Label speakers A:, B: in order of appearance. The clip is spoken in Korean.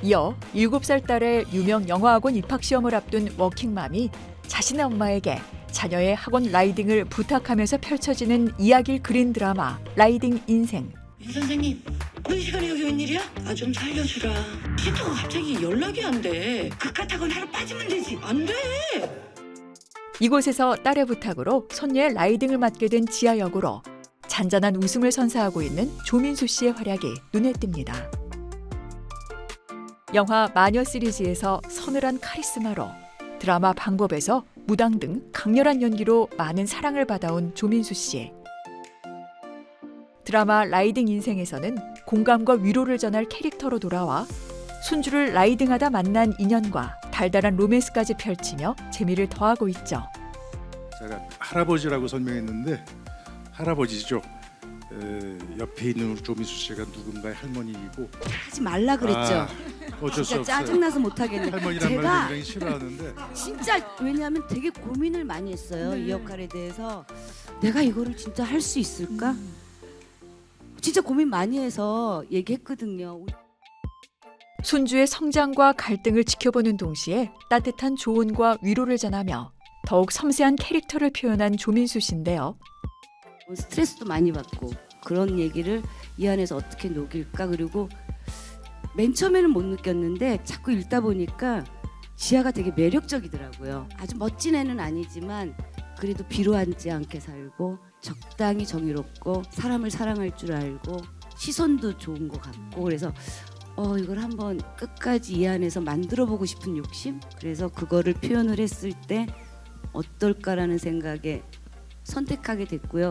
A: 이어 7살 딸의 유명 영어학원 입학시험을 앞둔 워킹맘이 자신의 엄마에게 자녀의 학원 라이딩을 부탁하면서 펼쳐지는 이야기를 그린 드라마 라이딩 인생.
B: 이 선생님, 너 이 시간에 여기 웬일이야? 나 좀 살려주라. 싫다고 갑자기 연락이 안 돼. 그깟 학원 하루 빠지면 되지. 안 돼.
A: 이곳에서 딸의 부탁으로 손녀의 라이딩을 맡게 된 지아 역으로 잔잔한 웃음을 선사하고 있는 조민수 씨의 활약이 눈에 띕니다. 영화 마녀 시리즈에서 서늘한 카리스마로 드라마 방법에서 무당 등 강렬한 연기로 많은 사랑을 받아온 조민수 씨. 드라마 라이딩 인생에서는 공감과 위로를 전할 캐릭터로 돌아와 순주를 라이딩하다 만난 인연과 달달한 로맨스까지 펼치며 재미를 더하고 있죠.
C: 제가 할아버지라고 설명했는데 할아버지죠. 옆에 있는 조민수 씨가 누군가의 할머니이고
D: 하지 말라 그랬죠.
C: 어쩔 수
D: 진짜
C: 없어요.
D: 짜증나서 못하겠네.
C: 할머니란 말을
D: 제가
C: 굉장히 싫어하는데
D: 진짜 왜냐하면 되게 고민을 많이 했어요. 이 역할에 대해서 내가 이거를 진짜 할 수 있을까? 진짜 고민 많이 해서 얘기했거든요.
A: 순주의 성장과 갈등을 지켜보는 동시에 따뜻한 조언과 위로를 전하며 더욱 섬세한 캐릭터를 표현한 조민수 씨인데요.
D: 스트레스도 많이 받고 그런 얘기를 이 안에서 어떻게 녹일까. 그리고 맨 처음에는 못 느꼈는데 자꾸 읽다 보니까 지아가 되게 매력적이더라고요. 아주 멋진 애는 아니지만 그래도 비루하지 않게 살고 적당히 정의롭고 사람을 사랑할 줄 알고 시선도 좋은 것 같고 그래서 이걸 한번 끝까지 이 안에서 만들어 보고 싶은 욕심? 그래서 그거를 표현을 했을 때 어떨까라는 생각에 선택하게 됐고요.